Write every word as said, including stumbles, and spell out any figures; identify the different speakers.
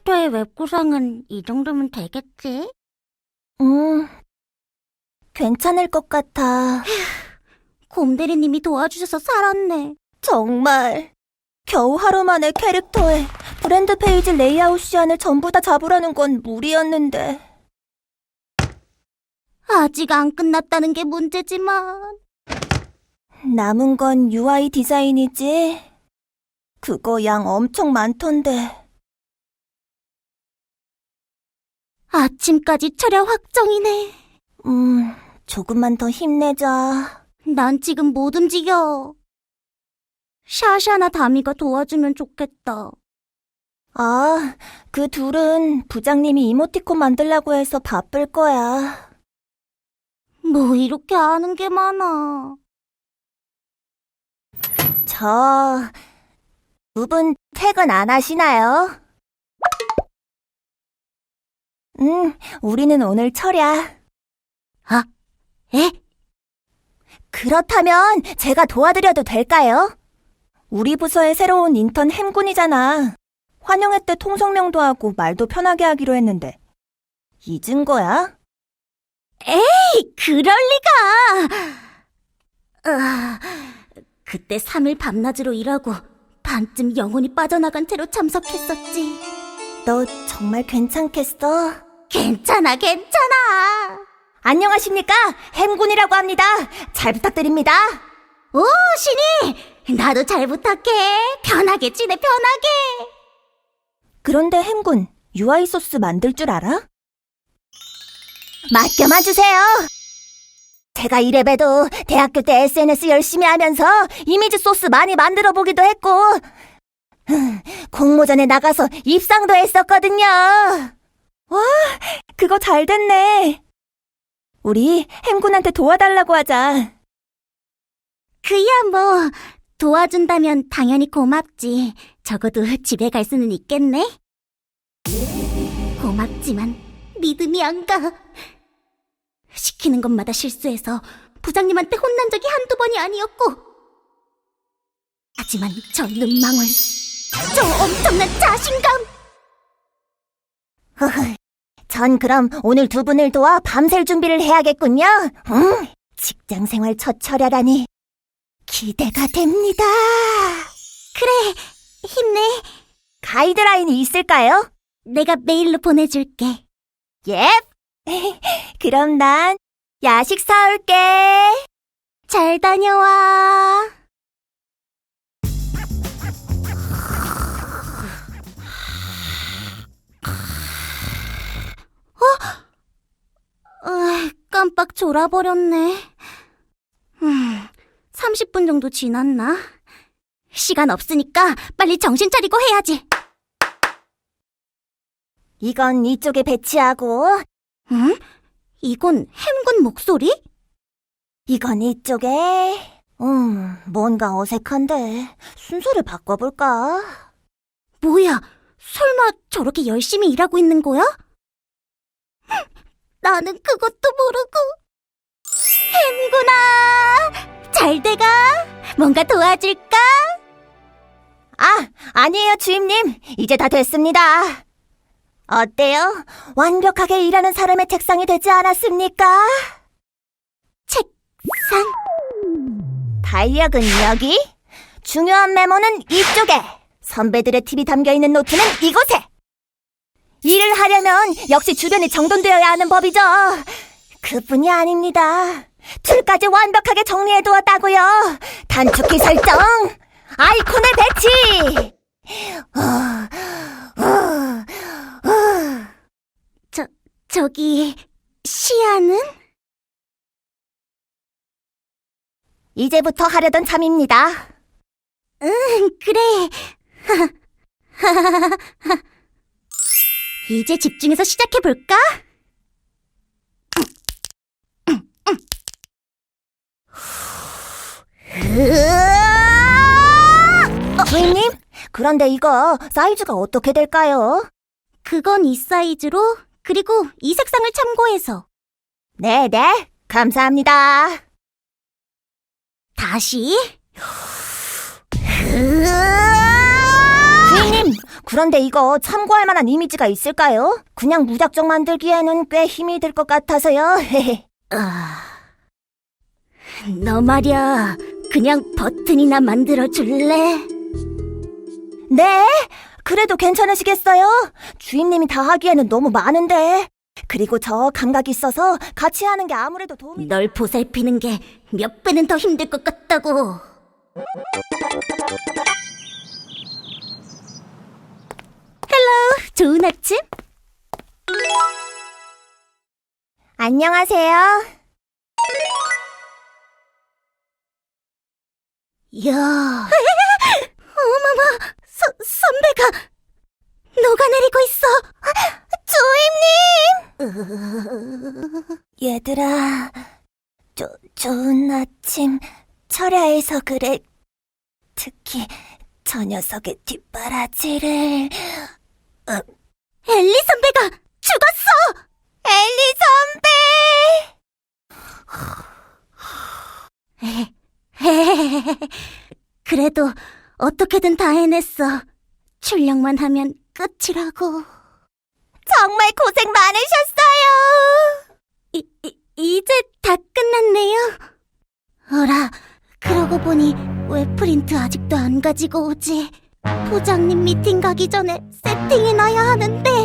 Speaker 1: 캐릭터의 웹구성은 이 정도면 되겠지?
Speaker 2: 음, 괜찮을 것 같아.
Speaker 1: 곰대리님이 도와주셔서 살았네.
Speaker 2: 정말. 겨우 하루 만에 캐릭터에 브랜드 페이지 레이아웃 시안을 전부 다 잡으라는 건 무리였는데.
Speaker 1: 아직 안 끝났다는 게 문제지만.
Speaker 2: 남은 건 유아이 디자인이지. 그거 양 엄청 많던데.
Speaker 1: 아침까지 철야 확정이네.
Speaker 2: 음, 조금만 더 힘내자.
Speaker 1: 난 지금 못 움직여. 샤샤나 다미가 도와주면 좋겠다.
Speaker 2: 아, 그 둘은 부장님이 이모티콘 만들라고 해서 바쁠 거야.
Speaker 1: 뭐 이렇게 아는 게 많아.
Speaker 2: 저, 두 분 퇴근 안 하시나요? 응, 우리는 오늘 철야.
Speaker 1: 아, 에?
Speaker 2: 그렇다면 제가 도와드려도 될까요? 우리 부서의 새로운 인턴 햄군이잖아. 환영회 때 통성명도 하고 말도 편하게 하기로 했는데. 잊은 거야?
Speaker 1: 에이, 그럴 리가! 아, 그때 삼 일 밤낮으로 일하고 반쯤 영혼이 빠져나간 채로 참석했었지.
Speaker 2: 너 정말 괜찮겠어?
Speaker 1: 괜찮아, 괜찮아.
Speaker 2: 안녕하십니까? 햄군이라고 합니다. 잘 부탁드립니다.
Speaker 1: 오, 신이! 나도 잘 부탁해. 편하게 지내, 편하게.
Speaker 2: 그런데 햄군, 유아이 소스 만들 줄 알아? 맡겨만 주세요. 제가 이래봬도 대학교 때 에스엔에스 열심히 하면서 이미지 소스 많이 만들어 보기도 했고 공모전에 나가서 입상도 했었거든요. 와, 그거 잘 됐네. 우리 햄군한테 도와달라고 하자.
Speaker 1: 그야 뭐 도와준다면 당연히 고맙지. 적어도 집에 갈 수는 있겠네. 고맙지만 믿음이 안 가. 시키는 것마다 실수해서 부장님한테 혼난 적이 한두 번이 아니었고. 하지만 저 눈망울, 저 엄청난 자신감.
Speaker 2: 허허, 전 그럼 오늘 두 분을 도와 밤샐 준비를 해야겠군요. 음, 직장 생활 첫 철야라니 기대가 됩니다.
Speaker 1: 그래, 힘내.
Speaker 2: 가이드라인이 있을까요?
Speaker 1: 내가 메일로 보내줄게.
Speaker 2: 예. 그럼 난 야식 사올게.
Speaker 1: 잘 다녀와. 어? 어, 깜빡 졸아버렸네. 음, 삼십 분 정도 지났나? 시간 없으니까 빨리 정신 차리고 해야지.
Speaker 2: 이건 이쪽에 배치하고,
Speaker 1: 응? 이건 햄군 목소리?
Speaker 2: 이건 이쪽에. 음, 뭔가 어색한데 순서를 바꿔볼까?
Speaker 1: 뭐야, 설마 저렇게 열심히 일하고 있는 거야? 나는 그것도 모르고. 햄군아, 잘 돼가? 뭔가 도와줄까?
Speaker 2: 아, 아니에요, 주임님. 이제 다 됐습니다. 어때요? 완벽하게 일하는 사람의 책상이 되지 않았습니까?
Speaker 1: 책상?
Speaker 2: 달력은 여기, 중요한 메모는 이쪽에, 선배들의 팁이 담겨있는 노트는 이곳에. 일을 하려면 역시 주변이 정돈되어야 하는 법이죠. 그뿐이 아닙니다. 툴까지 완벽하게 정리해두었다고요. 단축키 설정, 아이콘의 배치. 어, 어, 어.
Speaker 1: 저, 저기, 시아는?
Speaker 2: 이제부터 하려던 참입니다.
Speaker 1: 응, 그래. 이제 집중해서 시작해볼까?
Speaker 2: 주임님, 그런데 이거 사이즈가 어떻게 될까요?
Speaker 1: 그건 이 사이즈로, 그리고 이 색상을 참고해서.
Speaker 2: 네네, 감사합니다.
Speaker 1: 다시.
Speaker 2: 주인님, 그런데 이거 참고할 만한 이미지가 있을까요? 그냥 무작정 만들기에는 꽤 힘이 들 것 같아서요.
Speaker 1: 아, 너 말이야, 그냥 버튼이나 만들어 줄래?
Speaker 2: 네, 그래도 괜찮으시겠어요? 주인님이 다 하기에는 너무 많은데. 그리고 저 감각이 있어서 같이 하는 게 아무래도 도움이...
Speaker 1: 널 보살피는 게 몇 배는 더 힘들 것 같다고. 헬로, 좋은 아침?
Speaker 2: 안녕하세요.
Speaker 1: 이야. 어머머, 서, 선배가 녹아내리고 있어.
Speaker 2: 주임님! 얘들아, 조, 좋은 아침. 철야해서 그래. 특히 저 녀석의 뒷바라지를...
Speaker 1: 엘리 선배가 죽었어!
Speaker 2: 엘리 선배!
Speaker 1: 그래도 어떻게든 다 해냈어. 출력만 하면 끝이라고.
Speaker 2: 정말 고생 많으셨어요.
Speaker 1: 이, 이, 이제 다 끝났네요. 어라, 그러고 보니 왜 프린트 아직도 안 가지고 오지? 부장님 미팅 가기 전에 세팅해놔야 하는데.